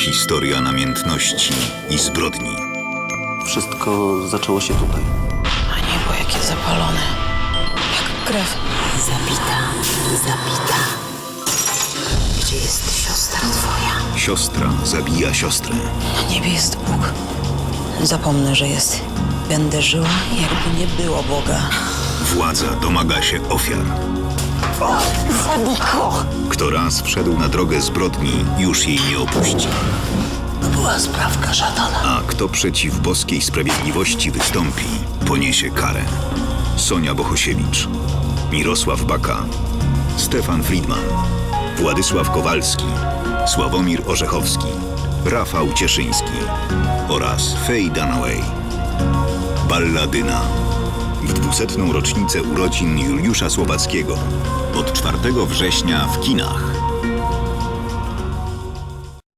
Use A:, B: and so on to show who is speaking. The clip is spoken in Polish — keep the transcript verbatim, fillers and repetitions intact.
A: Historia namiętności i zbrodni.
B: Wszystko zaczęło się tutaj.
C: A niebo jakie zapalone. Jak krew.
D: Zabita, zabita. Gdzie jest siostra twoja?
A: Siostra zabija siostrę.
C: Na niebie jest Bóg. Zapomnę, że jest. Będę żyła, jakby nie było Boga.
A: Władza domaga się ofiar.
D: Zabij go!
A: Kto raz wszedł na drogę zbrodni, już jej nie opuści.
D: To była sprawka szatana.
A: A kto przeciw boskiej sprawiedliwości wystąpi, poniesie karę. Sonia Bohosiewicz, Mirosław Baka, Stefan Friedman, Władysław Kowalski, Sławomir Orzechowski, Rafał Cieszyński oraz Faye Dunaway. Balladyna. W dwusetną rocznicę urodzin Juliusza Słowackiego. Od czwartego września w kinach.